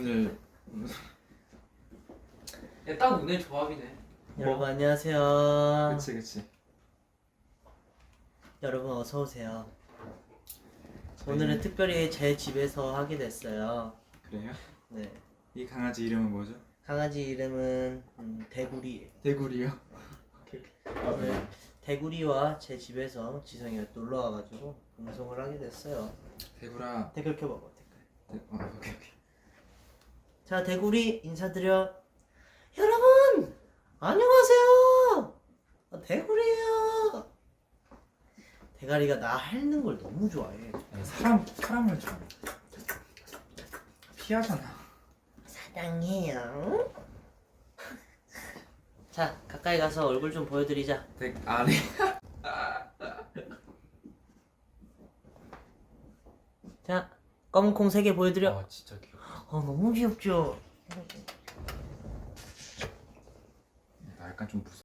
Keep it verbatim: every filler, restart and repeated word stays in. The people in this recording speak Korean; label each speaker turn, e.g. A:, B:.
A: 오늘
B: 야, 딱 오늘 조합이네.
C: 여러분 안녕하세요.
A: 그치 그치.
C: 여러분 어서 오세요.
A: 저희-
C: 오늘은 특별히 제 집에서 하게 됐어요.
A: 그래요?
C: 네.
A: 이 강아지 이름은 뭐죠?
C: 강아지 이름은 음, 대구리.
A: 대구리요? 아,
C: 네. 대구리와 제 집에서 지성이가 놀러 와가지고 방송을 하게 됐어요.
A: 대구라.
C: 댓글 켜봐봐 댓글.
A: 대... 어, 오케이 오케이.
C: 자 대구리 인사드려. 여러분 안녕하세요. 아, 대구리예요. 대가리가 나 핥는 걸 너무 좋아해.
A: 아니, 사람 사람을 좀 피하잖아.
C: 사랑해요. 자 가까이 가서 얼굴 좀 보여드리자.
A: 대 아니.
C: 자 검은 콩 세 개 보여드려.
A: 아 진짜 귀여워.
C: 어 너무 귀엽죠.
A: 나 약간 좀 무서.